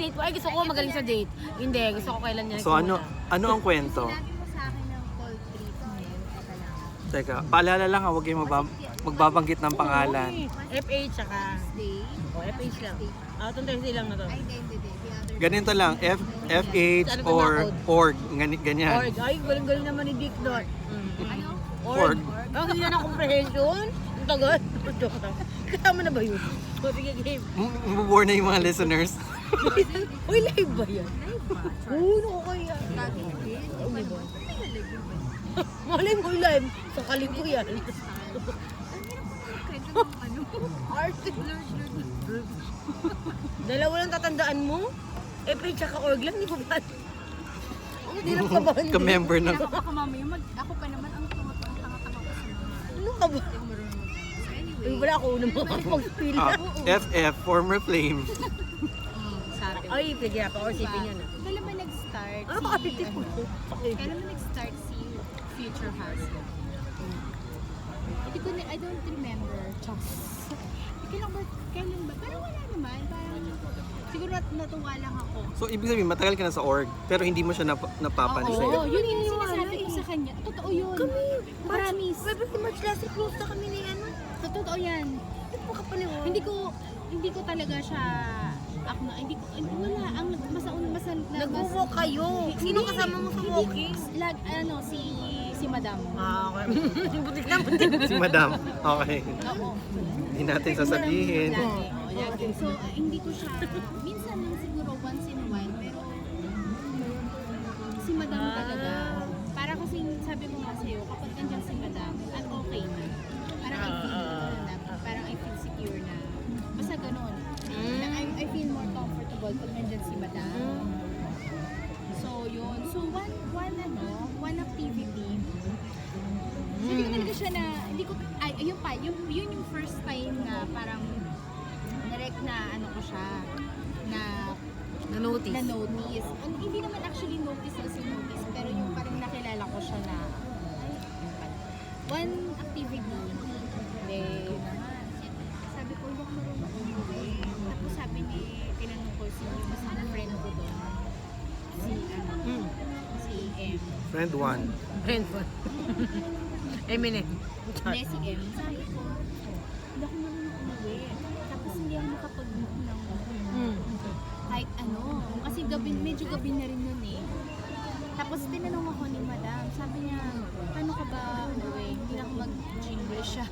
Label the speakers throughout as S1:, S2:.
S1: date mo. Ay, gusto ko magaling sa date. Hindi, gusto ko kailan niya.
S2: So ano ang kwento?
S3: Sinabi mo sa akin ng cold treatment.
S2: Teka, paalala lang huwag kayong magbabanggit ng pangalan.
S1: FH tsaka.
S3: Day.
S1: FH lang. Itong Thursday lang na to.
S3: Ay, hindi. The other
S2: Ganito lang, FH or org, ganyan.
S1: Org. Ay, galing-galing naman ni Dick doon.
S3: Ano?
S2: Org.
S1: Oh, hindi na comprehension. Ang tagal. Joke lang. Kasama na ba yun? O, sige, game.
S2: Mabubore na yung mga listeners.
S1: Uy, live ba yan?
S3: Live ba?
S1: Oo, naku kaya.
S3: Lagi din.
S1: Hindi ba?
S3: May nalagyan ba?
S1: Malay mo live. Sa kalig ko yan.
S3: Ang hirap ko ano?
S1: Arte.
S3: Lord.
S1: Dalawa lang tatandaan mo? FH tsaka org lang, di ba ba? Hindi na kabahan din.
S2: Ka-member ng...
S3: Ako mamaya, ako pa naman ang tanga-tanga ko sa mga...
S1: Ano ka ba?
S3: Hindi ako marunong mag-dance. So anyway.
S1: Ay, wala ako unang makakapag-spill.
S2: FF, former flame.
S3: Sabi ko.
S1: Ay, pwede na pa. Or sipin yan.
S3: Kailan ba nag-start
S1: Ano
S3: si...
S1: ba kapit ko?
S3: Kailan ba nag-start si Future Husband? Hindi ko na, I don't remember. Kailan ba? Pero wala naman. Parang, siguro natuwa lang ako.
S2: So ibig sabihin, matagal ka na sa org, pero hindi mo siya napapansin.
S3: Oo, yun yung sinasabi ko sa kanya. Totoo yun.
S1: Kami,
S3: Promise.
S1: February, March last year, close na kami ni ano.
S3: Totoo yan.
S1: Hindi po kapaliwan.
S3: Hindi ko talaga siya hindi ko wala ang
S1: Nag-walk kayo. Sino kasama mo sa walking?
S3: Si Madam.
S1: Okay. Butik na, butik.
S2: Si Madam. Okay.
S3: Oo.
S2: Hindi natin sasabihin.
S3: Lagi. So, hindi ko siya, minsan lang siguro once in a while, pero si Madam talaga. Para kasi sabi ko nga sa'yo, kapag nandiyan si Madam, I'm okay na. Parang I feel secure na. Basta ganun. Na I feel more comfortable pag nandiyan si Madam. So, yun. So, one activity. Hindi ko talaga siya na, yun yung first time na parang direct na ano ko siya,
S1: Na-notice.
S3: na notice. Hindi naman actually notice as in notice, pero yung parang nakilala ko siya na, one activity, then, sabi ko, hindi ako marunong umuwi. Tapos sabi ni, tinanong ko si friend ko doon, si M.
S2: Friend 1.
S1: Brentford. Eminem.
S3: Hindi, si M. Sabi ko, hindi ako marunong umuwi. Tapos hindi ako makapag-book ng kahit ano. Kasi medyo gabi na rin nun eh. Tapos tinanong ako ni Madam, sabi niya, paano ka ba umuwi? Hindi na ako mag-English siya.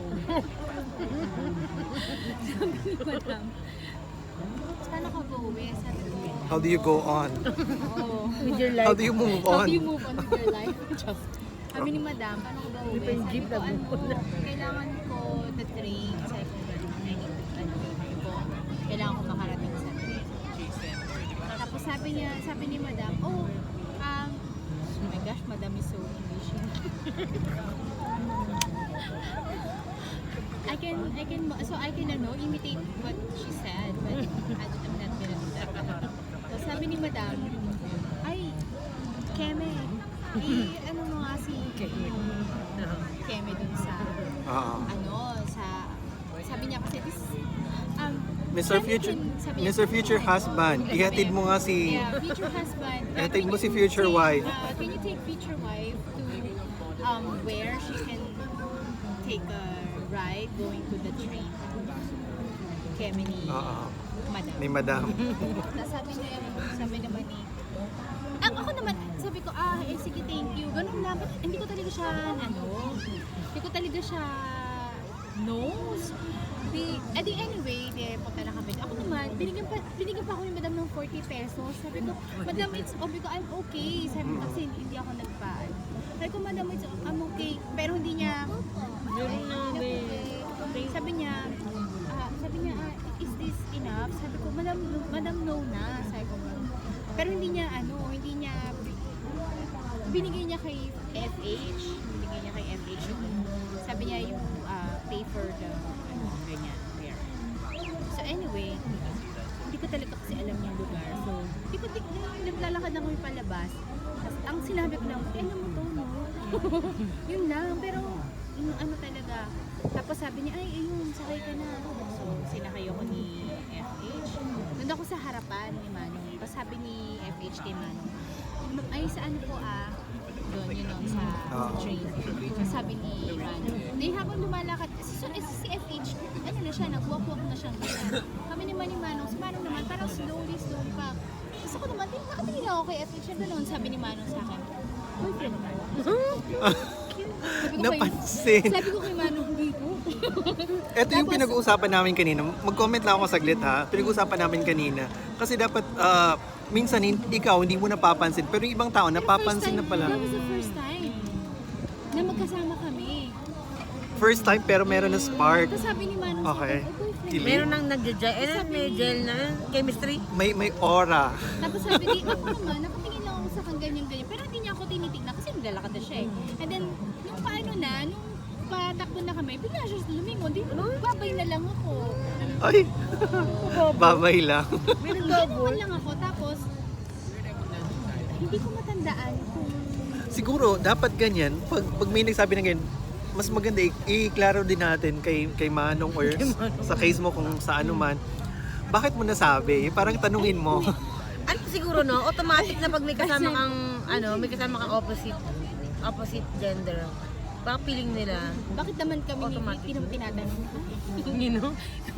S3: Sabi ni Madam, paano ka ba uwi? Sabi ko,
S2: How do you go on?
S3: oo.
S1: With your
S2: How
S1: life.
S2: do you move
S3: How
S2: on?
S3: do you move on with your life? Sabi ni Madam, paano ko ba uwi?
S1: Hindi pa yung
S3: Sabi
S1: jeep
S3: ko,
S1: na bumula.
S3: kailangan ko the train. Sabi ko, kailangan ko makarating sa train. Tapos sabi ni Madam, oh my gosh, Madam is so English. I can imitate what she said, but I'm not gonna do that. So sabi ni Madam, ay, Keme, ano mo nga si Keme dun sa, sabi niya kasi
S2: Mr. Future Husband, ihatid mo nga si...
S3: yeah, future husband.
S2: Ihatid mo si future wife.
S3: Can you take future wife to where she can take a ride going to the train? Keme ni Madam.
S2: Ni Madam.
S3: Sabi naman ni ako naman, sabi ko, sige, thank you. Ganun lang. But hindi ko talaga siya, knows. Anyway, punta na kami. Ako naman, binigyan pa ako ni Madam ng 40 pesos. Sabi ko, Madam, I'm okay. Sabi ko, kasi hindi ako nagpaan. Sabi ko, Madam, I'm okay. Pero hindi niya, sabi niya, is this enough? Sabi ko, Madam, no na. Sabi ko, pero hindi niya, binigay niya kay FH. Sabi niya yung pay for the, ganyan, there. So anyway, hindi ko talaga kasi alam yung lugar. So, naglalakad na kami palabas. Tapos, ang sinabi ko lang, alam mo to, no? Yun lang, pero, ano talaga. Tapos sabi niya, ay, ayun, sakay ka na. So, sinakay ako ni FH. Nandun ako sa harapan ni Manong. sabi ni FH kay Manong, ay sa ano po doon, sa train. Sabi ni Manong, dahil habang lumalakad, si FH, ano na siya, nag-walk-walk na siyang ganyan. Kami naman ni Manong, si Manong naman, parang slowly pa. Tapos ako naman, nakatingin ako kay FH na gano'n, sabi ni Manong sa akin, boyfriend mo.
S2: Napansin.
S3: Sabi ko kay Manong, hindi ko.
S2: Ito yung pinag-uusapan namin kanina. Mag-comment lang ako saglit ha. Pinag-uusapan namin kanina. Kasi dapat, minsan ikaw hindi mo napapansin. Pero yung ibang tao napapansin na pala.
S3: That was the first time na magkasama kami.
S2: First time pero meron na spark.
S3: Tapos sabi ni Manong
S2: Okay.
S3: sa akin, boyfriend.
S2: Dilim.
S1: Meron nang nag-gel. May gel na chemistry.
S2: May aura.
S3: Tapos sabi ni, ako naman, nakatingin lang ako sa kang ganyan-ganyan. Pero hindi niya ako tinitignan kasi naglalakad na siya eh. And then, nung patakbo na kami, bigla siya lumingon. Di, babay na lang ako.
S2: Ay, babay lang.
S1: May
S3: Ginawan
S1: nag-double.
S3: lang ako. Tapos, hindi ko matandaan kung
S2: Siguro, dapat ganyan. Pag may nagsabi ng ganyan, mas maganda i-klaro din natin kay Manong or sa case mo kung sa ano man. Bakit mo nasabi? Parang tanungin mo.
S1: Ano siguro no, automatic na pag may kasama kang opposite gender. Baka feeling nila,
S3: bakit naman kami
S1: Automatic.
S3: tinatanong.
S1: you know?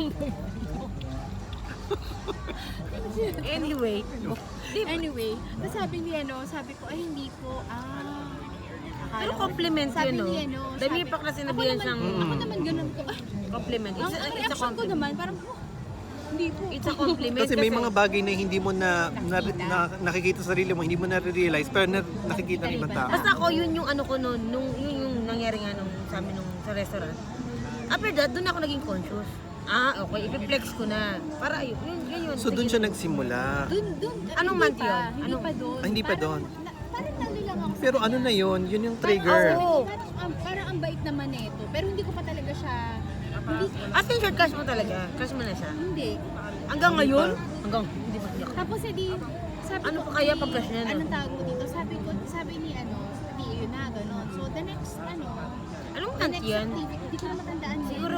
S1: Anyway,
S3: Anyway, tapos sabi ko, ay hindi po,
S1: pero compliment
S3: sabi
S1: yun, no?
S3: ni
S1: Dami pa kasi sinabihan siyang
S3: Ako naman ganun ko.
S1: compliment.
S3: Ang
S1: It's a
S3: reaction ko
S1: compliment.
S3: naman, parang, hindi po.
S1: It's a compliment
S2: Kasi may mga bagay na hindi mo na nakikita sa sarili mo, hindi mo na-realize, pero nakikita ng ibang tao.
S1: Basta ako, yun yung ano ko noon, yun yung nangyari nga nung sa amin sa restaurant. After that, doon ako naging conscious. Okay, ipiplex ko na. Para yun.
S2: So doon siya nagsimula.
S3: Dun,
S1: Anong
S3: hindi
S1: month
S3: pa,
S1: yun?
S3: Hindi pa doon.
S2: Hindi pa doon.
S3: Parang nalo lang ako sa
S2: Pero ano
S3: kanya.
S2: na yun yung trigger.
S3: Parang ang bait naman nito. Pero hindi ko pa talaga siya, hindi,
S1: As in short, crush mo talaga. Crush mo na siya.
S3: hindi.
S1: Hanggang ngayon? Hanggang, hindi ba niya?
S3: Tapos edi, sabi
S1: Ano
S3: ko,
S1: pa kaya pag crush niya, no?
S3: Anong tawag mo dito? Sabi ni sabi yun na, gano'n. So the next,
S1: Anong
S3: the
S1: month
S3: next
S1: yan?
S3: activity, hindi ko na matandaan din.
S1: Siguro,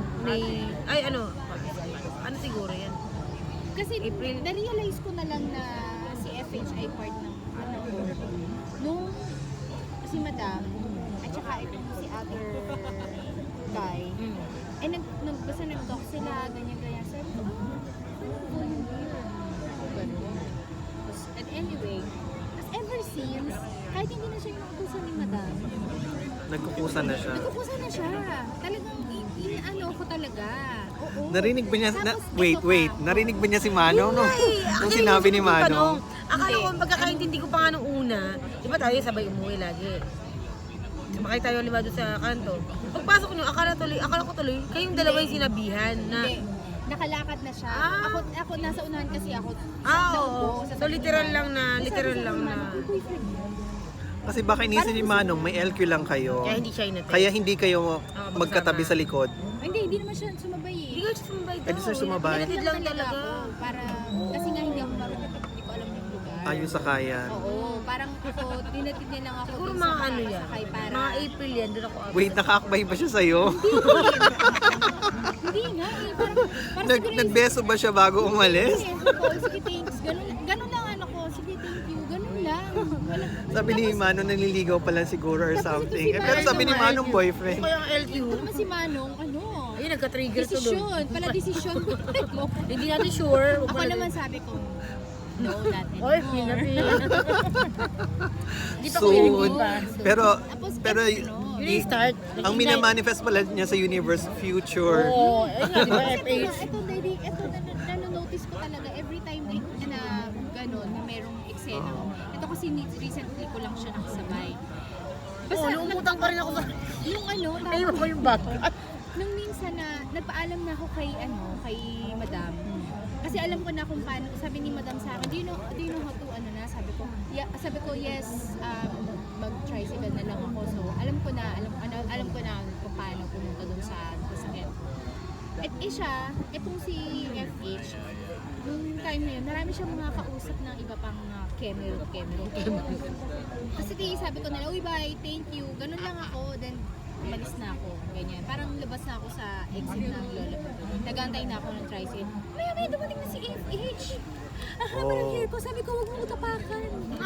S1: ano siguro yan?
S3: Kasi
S1: April.
S3: na-realize ko na lang na si FH ay part ng ko. Nung si Madam, at saka ito si other guy, basta nag-talk sila, ganyan-ganyan. Sabi ko, ano yun here? Ganun. And anyway, ever since, kahit hindi na siya yung nakukusan ni Madam,
S2: Nagkukusan na siya.
S3: nagkukusan na siya. Talagang, ano ko talaga. Oo.
S2: Narinig ba niya,
S3: Tapos,
S2: wait, narinig ba niya si Manong? No? Nung
S1: Actually,
S2: sinabi ni
S1: yung tanong,
S2: Manong,
S1: akala ko, pagkakaintindi ko pa nga nung una, di ba tayo sabay umuwi lagi? Sumakay tayo lima doon sa kanto. Pagpasok nyo, akala ko tuloy, kayong dalawa yung sinabihan na,
S3: Hindi. Nakalakad na siya.
S1: Ah.
S3: Ako nasa unahan kasi ako.
S1: oo. So literal lang na.
S2: kasi baka inisip ni Manong, may LQ lang kayo.
S1: Kaya hindi siya inatay.
S2: Kaya hindi kayo magkatabi sa likod.
S3: Hindi naman siya sumabay eh.
S1: Hindi ko siya sumabay
S2: Eh, di siya sumabay.
S1: Pinatid lang talaga.
S3: Ako, para, kasi nga hindi ako marunong, hindi ko alam yung lugar.
S2: Ayun sa kayan.
S3: Oo, parang ako, dinatid niya lang ako
S1: Siguro
S3: dun
S1: mga
S3: sa
S1: ano yan.
S3: makakasakay para.
S1: Mga April yan, doon ako.
S2: Wait, nakaakbay ba siya sa'yo?
S3: Hindi nga eh, parang siguro yung-
S2: Nagbeso ba siya bago umalis?
S3: Sige, thanks. Ganun lang ano ko. Sige, thank you. Ganun lang.
S2: Sabi ni Manong naliligaw pa lang siguro or
S3: Tapos ito
S2: something.
S3: si
S2: Eh, pero sabi ni Manong boyfriend.
S1: Kaya ang LQ.
S3: Ito naman si Manong,
S1: Ayun, nagka-trigger to doon.
S3: desisyon. Pala desisyon mo.
S1: Hindi natin sure.
S3: Ako naman sabi ko, no, not
S1: Oy,
S3: anymore.
S1: pinapil. Hindi pa ko
S2: Soon.
S1: i-review pa.
S2: Pero
S1: Yun yung start.
S2: ang minamanifest pala niya sa universe future.
S1: Oo, ayun nga, di ba, FH?
S3: Ito nanonotice ko talaga every time na gano'n, na merong eksena. Ito kasi recently ko lang siya nakasabay.
S1: Oo, lumutang pa rin ako sa...
S3: Yung
S1: Ayun ko yung bag.
S3: nung minsan na nagpaalam na ako kay Madam. Kasi alam ko na kung paano, sabi ni Madam sa akin, do you know how to, sabi ko, yes, mag-tricycle na lang ako. So, alam ko na kung paano pumunta dun sa sasakyan. At itong si FH, nung time na yun, marami siyang mga kausap ng iba pang camera. Kasi sabi ko na lang, uy bye, thank you, ganun lang ako, then umalis na ako, ganyan. Parang labas na ako sa exit ng Lola. Nagantay na ako ng tricycle. Maya dumating na si FH. ang haba ng hair ko. Sabi ko, huwag mo tapakan.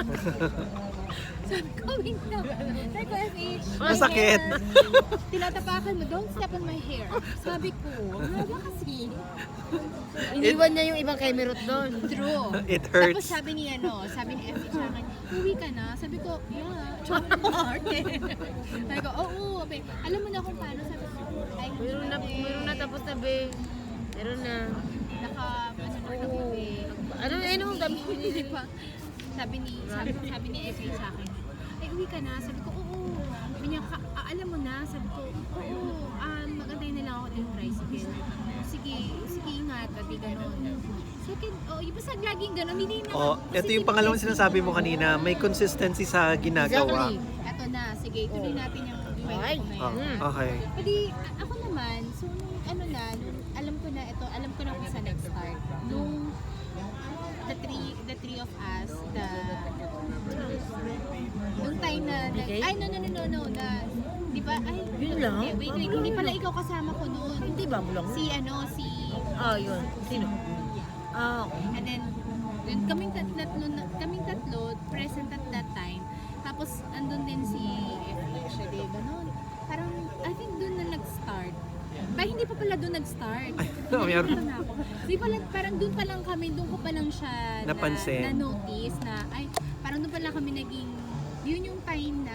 S3: Sabi ko, wait lang. Sabi ko, FH, my
S2: Masakit.
S3: hair. Tinatapakan mo, don't step on my hair. Sabi ko, ang haba kasi.
S1: Iniwan niya yung ibang kemerot doon.
S3: True.
S2: It
S3: Tapos
S2: hurts.
S3: sabi ni FH sa akin, uwi ka na? Sabi ko, yeah. Sabi ko, oo. Alam mo na kung paano. Sabi ko, ay,
S1: Meron na tapos na, be. Meron na. Ano, dami ko
S3: Hindi pa. Sabi ni FH sa akin, ay, uwi ka na? Sabi ko, oo. Sabi niya, alam mo na? Sabi ko, oo. Magantay na lang ako din tricycle. Sige, ingat. Pati ganun. Second, yung basta laging ganun. Hindi na.
S2: Oh, ito yung pangalawang sinasabi mo kanina, may consistency sa ginagawa.
S1: Exactly.
S3: Eto na. Sige, tuloy natin yung
S1: Ay.
S3: kwento ko
S2: Oh,
S3: ngayon.
S2: okay.
S3: Pwede, ako naman, so nung alam ko na kung saan nag-start. Nung the three of us, nung time na,
S1: Okay.
S3: ay no, na, di ba, ay,
S1: Yun lang?
S3: wait, hindi pala ikaw kasama ko noon.
S1: Hindi ba, bulong?
S3: Si,
S1: Yun. Sino? Okay.
S3: and then kaming tatlo, present at that time. Tapos, andun din si FH, di ba, no? Parang, I think doon na nag-start. Hindi pa pala doon nag-start.
S2: meron.
S3: Na ako. Di pala, parang doon pa lang kami, doon ko pa lang siya
S2: Napansin.
S3: na-notice na, ay, parang doon pa lang kami naging, yun yung time na,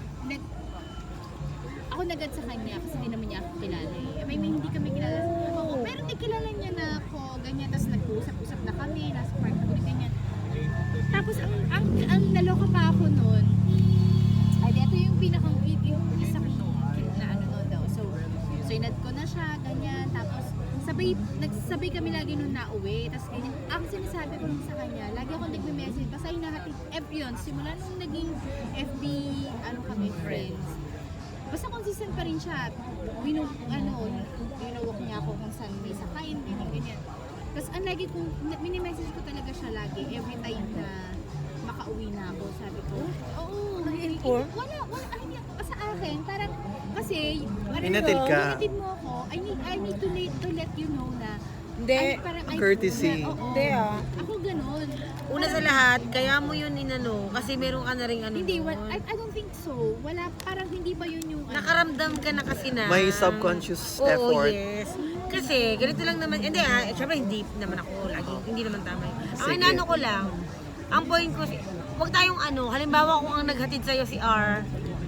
S3: ako nagad sa kanya kasi hindi naman niya ako kilala eh. May hindi kami kilala. Oo, pero hindi kilala niya na ako, ganyan. Tapos nag-usap-usap na kami, nasa park kami, ganyan. Tapos ang naloka pa ako noon, ay, ito yung yung isang na ano noon daw. So inad ko na siya, ganyan. Tapos nagsabay kami lagi nung nauwi. Tapos ganyan. Ang sinasabi ko lang sa kanya, lagi ako nagme-message. Basta hinahatid, yun, simula nung naging FB, kami, friends. Basta consistent pa rin siya. Winawak niya ako kung saan may sakayin, ganyan. Tapos ang lagi kong, mini-message ko talaga siya lagi, every time na makauwi na ako. Sabi ko, oo,
S1: Nag-inform?
S3: wala, hindi ako sa akin. Parang, kasi,
S2: Hinatid ka.
S3: hinatid mo ako, I need to let you know na,
S1: Hindi.
S3: parang,
S2: Courtesy.
S3: Oo,
S1: Hindi,
S3: ako ganun.
S1: Una sa lahat, kaya mo yun kasi meron ka na rin
S3: Hindi,
S1: doon.
S3: I don't think so. Wala, parang hindi pa yun yung,
S1: Nakaramdam ka na kasi na.
S2: May subconscious
S1: Oo,
S2: effort.
S1: yes. Kasi, ganito lang naman, hindi syempre hindi naman ako lagi, hindi naman tama yun. Ang
S2: Sige.
S1: inaano ko lang, ang point ko, huwag tayong halimbawa kung ang naghatid sa'yo si R.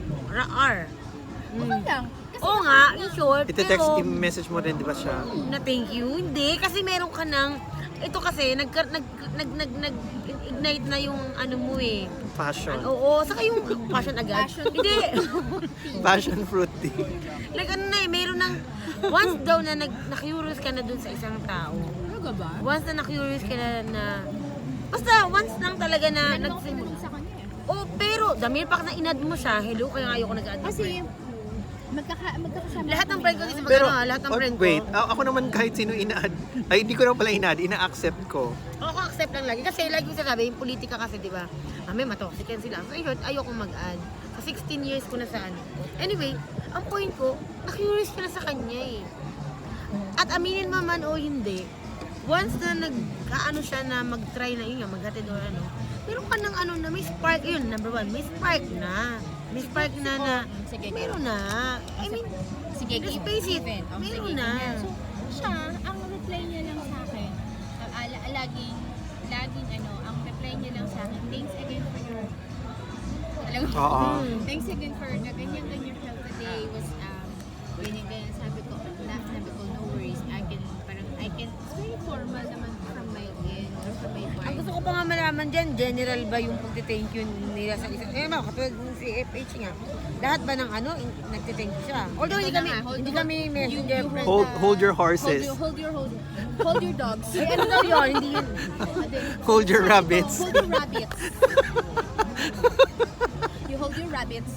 S3: okay lang. Kasi
S1: Oo nga, in short,
S2: Ite-text,
S1: pero,
S2: i-message mo rin, di ba siya?
S1: na thank you, hindi, kasi meron ka ng, ito kasi, nag-ignite na yung ano mo eh.
S2: Passion.
S1: Oo, saka yung passion agad.
S3: Passion.
S1: Hindi.
S2: Passion fruit tea.
S1: Like ano na eh, meron ng, once daw na na-curious ka na dun sa isang tao,
S3: Talaga ba?
S1: once na na-curious ka na basta once lang talaga na
S3: Ano ako
S1: nagsimula.
S3: pinanong sa kanya eh.
S1: Oh, pero dahil pa na inad mo siya, hello, kaya nga ayoko nag-add.
S3: Kasi, magkakasama.
S1: lahat ng friend ko kasi
S2: Pero,
S1: lahat ng friend ko.
S2: wait, ako naman kahit sino ina-add, ay hindi ko na pala ina-add, ina-accept ko.
S1: Ako accept lang lagi. Kasi lagi ko sasabi, yung politika kasi, di ba? May matoxic yan sila. So, ayoko mag-add. Sa 16 years ko na sa ano. Anyway, ang point ko, na-curious ka na sa kanya eh. At aminin mo man o hindi, once na siya na mag-try na yun nga, maghatid o ano, meron ka ng ano na may spark, yun, number one, may spark na. May spark na
S3: Sige,
S1: meron na. I mean,
S3: sige,
S1: let's
S3: give
S1: face it,
S3: even.
S1: meron
S3: Sige,
S1: na.
S3: ganyan. So, siya, ang reply niya lang sa akin, laging, ang reply niya lang sa akin, thanks again for your, alam mo,
S2: Oo.
S3: thanks again for the ganyan help today was, ganyan, sabi ko, no worries, I can, it's very formal naman from my end, or from my part.
S1: Ang gusto ko pa nga malaman dyan, general ba yung pagti-thank you nila sa isa? Katulad ng si FH nga. Lahat ba ng nagti-thank you siya? Although hindi kami messenger friend.
S2: Hold your horses.
S3: Hold your dogs.
S1: Ano daw yun? Hindi yun.
S2: Hold your rabbits.
S3: Hold your rabbits. You hold your rabbits.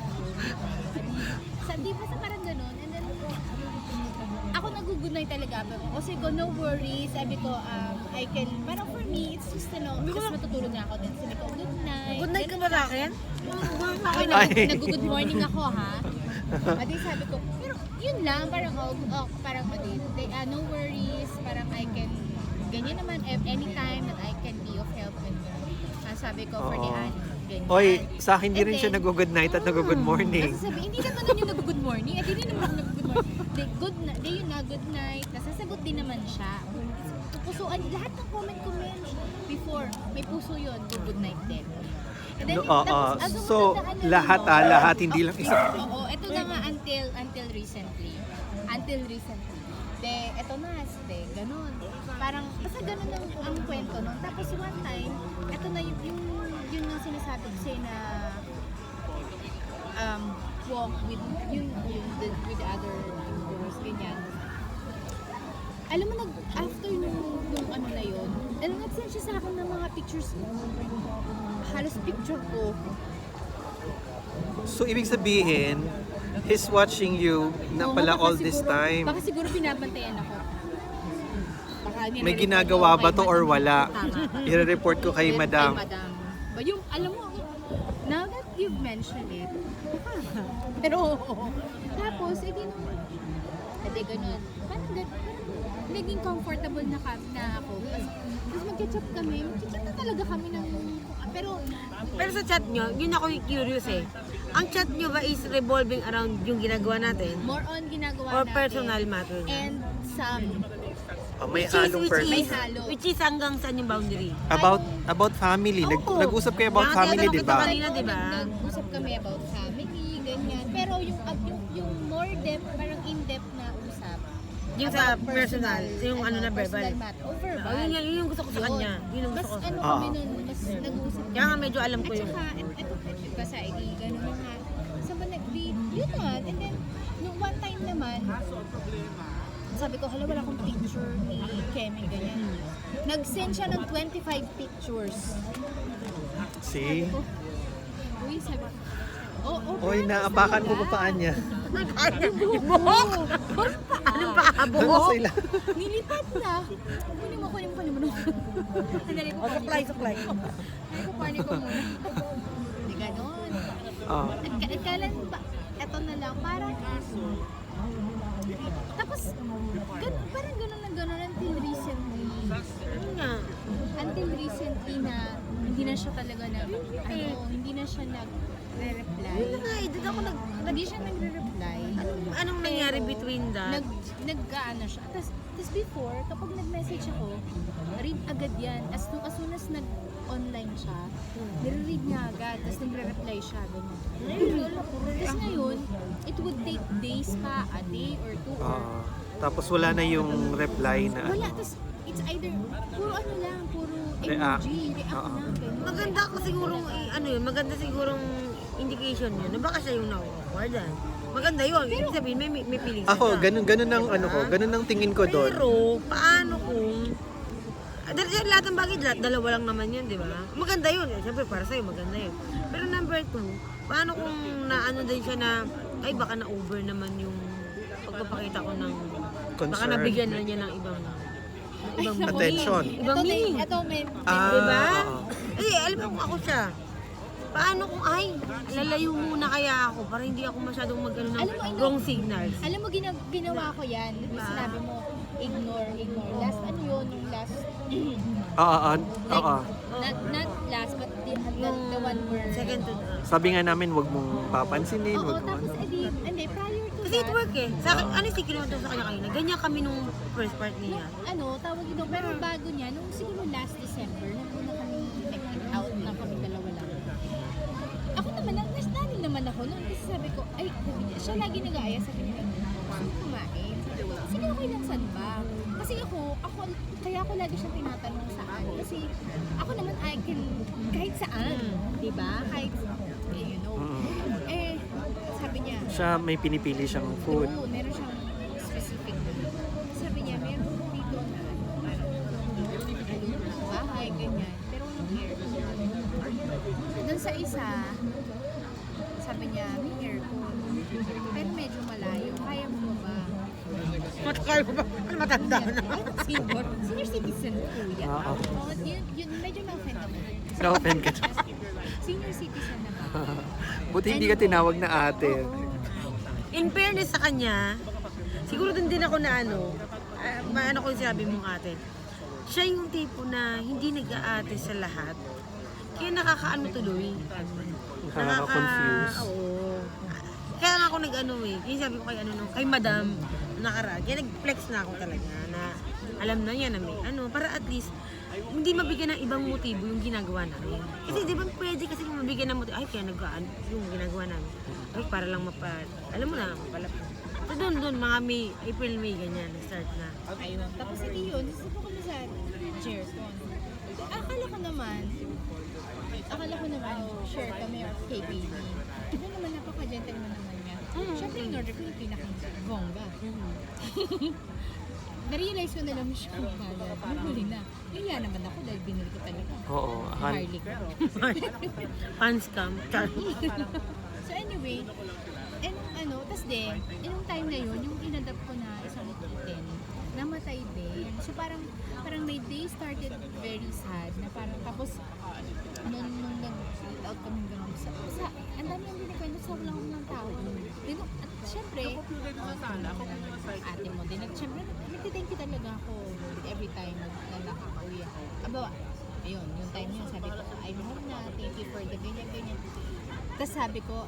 S3: Di ba sa parang ganun? And then, ako nag-good-night talaga. Kasi ko, no worries. Sabi ko, I can, parang for me, it's just, because matutulog na ako din. Sabi ko, good night.
S1: Good night ka ba sa akin?
S3: Okay,
S2: Ay.
S3: nag-good morning ako, ha? Adi sabi ko, pero yun lang, parang, parang, no worries, parang I can ganyan naman, anytime that I can be of help, and sabi ko for the
S2: Oo.
S3: ano, ganyan.
S2: Oy, sa akin di
S3: And
S2: rin siya
S3: then,
S2: nag-good night at nag-good morning.
S3: Kasi sabi, hindi naman nun yung nag-good morning, at hindi naman ako nag-good morning. Di yun na, good night, nasasagot din naman siya. Pusuan, lahat ng comment before, may puso yun, good night din. And then, tapos, ang
S2: So,
S3: matandaan na
S2: lahat
S3: nun,
S2: lahat, hindi lang isa.
S3: Oo, ito na nga until recently. Until recently. De, eto na, ganun. Parang, basta ganun ang kwento nun. Tapos one time, eto na yun yung sinasabi ko sa'yo na walk with with the other girls, ganyan. Alam mo, after nung ano na yun, nag-send siya sa akin ng mga pictures, halos picture ko.
S2: So, ibig sabihin, he's watching you na
S3: Oo,
S2: pala
S3: baka
S2: all this
S3: siguro-
S2: time.
S3: Baka siguro binabantayan ako. Baka
S2: May
S3: nire-report
S2: ginagawa
S3: ako
S2: ba
S3: kay
S2: to or
S3: Madam.
S2: wala?
S1: Tama.
S2: I-report ko kay Madam.
S3: Ba, yung, alam mo, now that you've mentioned it, pero oo. Tapos, edi ganun. Parang naging comfortable na ako. Tapos mag-chat kami. Mag-chat na talaga kami ng...
S1: Pero sa chat nyo, yun ako curious eh. Ang chat nyo ba is revolving around yung ginagawa natin?
S3: More on ginagawa
S1: Or
S3: natin.
S1: personal matter?
S3: And some.
S2: May halong person.
S3: May halo.
S1: Which is hanggang saan yung boundary?
S2: About family.
S1: Oo.
S2: Nag-usap kayo about
S1: Kaya
S2: family,
S1: tinatanong
S2: di
S1: kita
S2: ba?
S1: kanina, di ba?
S3: Nag-usap kami about family, ganyan. Pero yung more depth, parang in-depth na usap.
S1: Yung sa
S3: about
S1: personal, yung ano na verbal.
S3: Personal matter. Oh, verbal.
S1: Oh, yun yung gusto ko sa kanya. Yun yung
S3: Mas
S1: gusto ko.
S3: ano
S2: Ah.
S3: kami nun, mas nag-uusap
S1: Kaya nga medyo alam ko
S3: At
S1: yun.
S3: saka, eto kasi, gano'n na nga. Sa yun na. And then, nung one time naman, sabi ko, hala, wala akong picture ni Kemi, ganyan. Nag-send siya ng 25 pictures.
S2: See?
S3: Uy, sabi ko,
S2: Oy, naapakan ko pa paan niya.
S1: Yung buhok! Anong paa?
S2: Ano
S1: Buhok?
S2: sila?
S3: Nilipat na. Kunin mo naman. Sandali ko,
S1: Suklay.
S3: kunin ko muna. Hindi ganon.
S2: Oh.
S3: At kailan ba, eto na lang, parang tapos, parang gano'n until recently.
S1: Ano nga?
S3: Until recently na hindi na siya talaga hindi na siya nagre-reply.
S1: Yun na nga eh, doon ako
S3: Hindi siya nagre-reply.
S1: anong nangyari between that?
S3: Nag-ano siya. Tapos before, kapag nag-message ako, read agad yan. As soon as nag-online siya, nire-read niya agad. Tapos nagre-reply siya. Ganun. Tapos ngayon, it would take days pa, a day or two.
S2: Tapos wala na yung reply na
S3: Wala. Tapos it's either, puro
S2: React.
S3: emoji, react
S2: Oo.
S3: na. Ganun.
S1: Maganda ko sigurong, maganda sigurong indication yun na baka siya yung na-awkward. Maganda yun. Ibig sabihin, may feelings
S2: ako,
S1: siya.
S2: ganun ang ano ko, ganun ang tingin ko doon.
S1: Pero, paano kung... Lahat ng bagay, dalawa lang naman yun, di ba? Maganda yun. Siyempre, para sa'yo, maganda yun. Pero number 2, paano kung naano din siya na, ay, baka na-over naman yung pagpapakita ko ng... Baka
S2: Concern.
S1: nabigyan na niya ng ibang
S2: Attention.
S1: Ibang meaning.
S3: Ito, may
S1: Diba?
S2: oo.
S1: Alam mo kung ako siya. Paano kung, lalayo muna kaya ako para hindi ako masyadong mag-ano ng
S3: Alam mo,
S1: wrong signals.
S3: Alam mo, ginawa ko yan. Sinabi mo, ignore. Last, ano yun? Yung last,
S2: Oo.
S3: not last, but the one where...
S1: Second to
S2: Sabi nga namin, wag mong papansinin,
S3: Oo,
S2: wag mo
S3: tapos,
S2: ano.
S3: hindi, prior to
S1: Kasi it
S3: that,
S1: work eh. Sa akin, honestly, kinuwento ko sa kanya kanina. Ganyan kami nung first part niya.
S3: tawag ito, pero bago niya, nung siguro last December, nung una kami nag-out na kami dalawa lang. Ako naman, nastanin naman ako noon kasi sabi ko, siya lagi nag-aaya, sabi niya, gusto mo kumain? Sabi ko, sige, okay lang, saan ba? Kasi kaya ako lagi siyang tinatanong saan. Kasi ako naman, I can, kahit saan, di ba? Kahit, sabi niya,
S2: Siya may pinipili siyang food.
S3: oo, meron siyang specific na. Sabi niya, meron po dito na parang bahay, ganyan. Pero walang aircon. Doon sa isa, sabi niya, may aircon. Pero medyo malayo. Kaya mo ba?
S1: Matakal ko ba? Matanda na.
S3: Senior citizen po yan.
S2: Oo.
S3: Yun, medyo na-offend ako.
S2: Na-offend ka.
S3: Senior citizen na ba?
S2: Buti hindi ka tinawag na ate.
S1: In fairness sa kanya, siguro din ako na maano ko yung sinabi mong ate. siya yung tipo na hindi nag-aate sa lahat. Kaya nakakaano tuloy.
S2: Nakaka-confuse.
S1: Oo. Kaya nga ako nag-ano eh. Yung sabi ko kay madam, nakaraan. Kaya nag-flex na ako talaga na alam na niya na may para at least hindi mabigyan ng ibang motibo yung ginagawa namin. Kasi di ba pwede kasi kung mabigyan ng motibo, ay kaya nagkaan yung ginagawa namin. Ay para lang alam mo na, mapalapit. So doon, mga May, April, May, ganyan, start na.
S3: Ayun. Tapos hindi yun, sisipo kami sa chair ko. Akala ko naman, share kami or kay baby. Ito naman, napaka-gentleman naman niya. Siyempre, in order ko yung pinaka-bongga. Na-realize ko na lang siya kung kaya. Huli na. Kaya naman ako dahil binili ko talaga.
S2: Oo.
S3: Harley ko.
S1: Fan scam.
S3: So anyway, tas din, yung time na yun, yung inadapt ko na isang kitten, namatay din. So parang my day started very sad na parang tapos nung nag-split out kami gano'n ang dami yung binikwento sa walang ng tao. At syempre, ate mo din. At syempre, nagtithank you talaga ako every time na nakaka-uwi ako. Aba, ayun, yung time yun, sabi ko, I'm home na, thank you for the ganyan. Tapos sabi ko,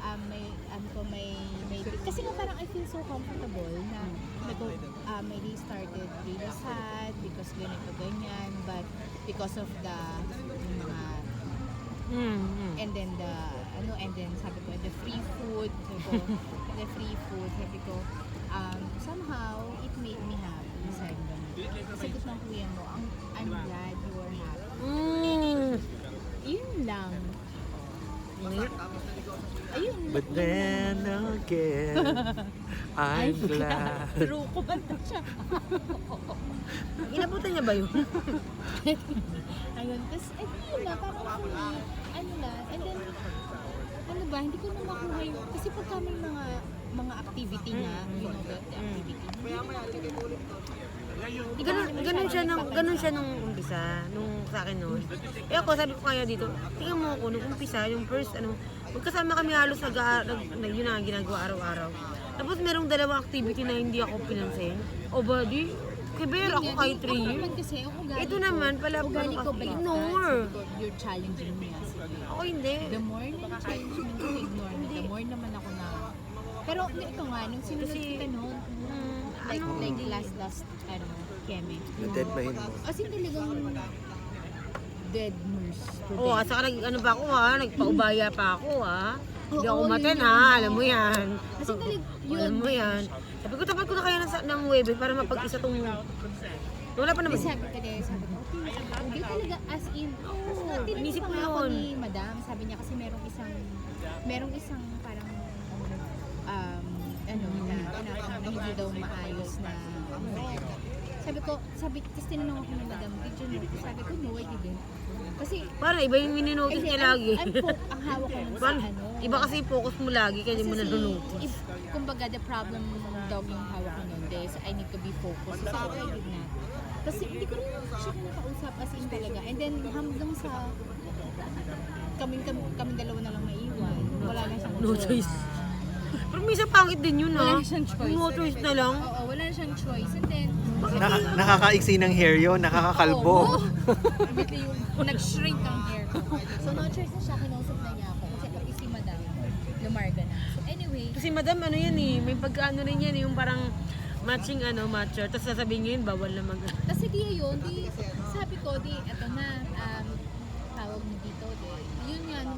S3: kasi nga parang I feel so comfortable na my day started really sad because ganyan, but because of the mga and then sabi ko the free food, sabi ko somehow it made me happy. Sabi ko ng kuya mo, I'm glad you are happy. Yun lang. Ayun.
S2: But then again, I'm glad.
S3: True ko ba na siya?
S1: Inabutan niya ba yun?
S3: Ayun. Tapos, yun na, parang and then, hindi ko na makuha yung, kasi pagka may mga activity na, you know, the activity.
S1: Ganun siya nung umpisa, nung sa akin noon. Eh ako, sabi ko kaya dito, tingnan mo ako, nung umpisa, yung first, magkasama kami halos yun na ginagawa araw-araw. Tapos merong dalawang activity na hindi ako pinansin. O ba, di, kiber ako kahit 3 years.
S3: Kasi,
S1: Ito naman, pala,
S3: ugali ko ba
S1: ignore.
S3: You're challenging me.
S1: Ako hindi.
S3: The more na challenge mo to ignore me, the more naman ako na. Pero ito nga, nung sinunod kita noon, like last, Keme.
S2: Dead mind mo.
S3: As in talagang dead nurse.
S1: Oo, at saka pa ako nagpaubaya pa ako Hindi ako
S3: Oo,
S1: maten
S3: yun.
S1: alam mo yan.
S3: Kasi yun.
S1: Alam mo yan. Sabi ko, tapat ko na kaya ng webe para mapag-isa tong... Wala pa naman.
S3: Sabi ko, hindi talaga as in.
S1: Inisip ko
S3: Tinanong ako
S1: yun.
S3: ni Madam, sabi niya kasi merong isang parang na hindi daw maayos na tapos tinanong ako ni Madam, did you know? Sabi ko, no, I didn't. Kasi,
S1: Parang iba yung mininotice niya lagi.
S3: ang hawak ko nun sa
S1: Parang, iba kasi focus mo lagi, kaya hindi mo nanunotice.
S3: Kumbaga, the problem dog yung hawak ko nun, so I need to be focused. So, I did not. Kasi hindi ko rin siya nakausap as in talaga. And then, hanggang sa kami dalawa na lang maiwan. Wala na siyang
S1: No choice. Pero minsan pangit din yun
S3: Wala na siyang choice.
S1: No choice na lang.
S3: Oo, wala na siyang choice. And then,
S2: Nakakaiksi ng hair yun, nakakakalbo.
S3: immediately yung nag-shrink ang hair ko. So, no choice na siya. Kinausap na niya ako. Kasi pati si Madam, lumarga na. So, anyway.
S1: Kasi madam, may pagkaano rin yan, yung parang matching matcher. Tapos sasabihin nyo yun, bawal na
S3: Tapos sige yun, sabi ko, eto na, tawag mo dito, yun nga, nung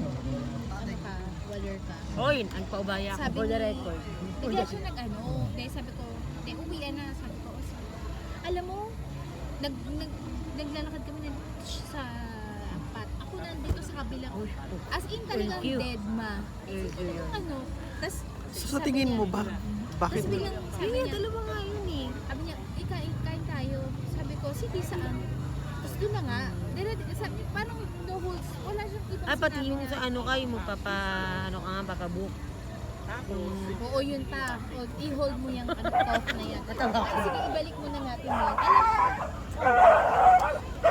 S3: waller ka.
S1: Oy, nagpaubaya ako for the record.
S3: Bigla siya sabi ko, uwian na, sabi ko, alam mo, naglalakad kami sa apat. Ako nandito sa kabilang, as in talagang
S1: Thank you.
S3: dead ma. Tas,
S2: So, sa tingin mo ba, bakit?
S3: Tapos biglang sabi niya,
S1: Dalawa nga yun eh.
S3: sabi niya, kain tayo. Sabi ko, sige saan? Tapos doon na nga, sabi, parang no holds, wala siyang ibang
S1: Pati
S3: sinabi
S1: yung
S3: na,
S1: sa papabook.
S3: oo yun ta, i-hold mo yung cough na yan.
S1: Natawa ko.
S3: Sige, ibalik mo na natin yun. Alam mo,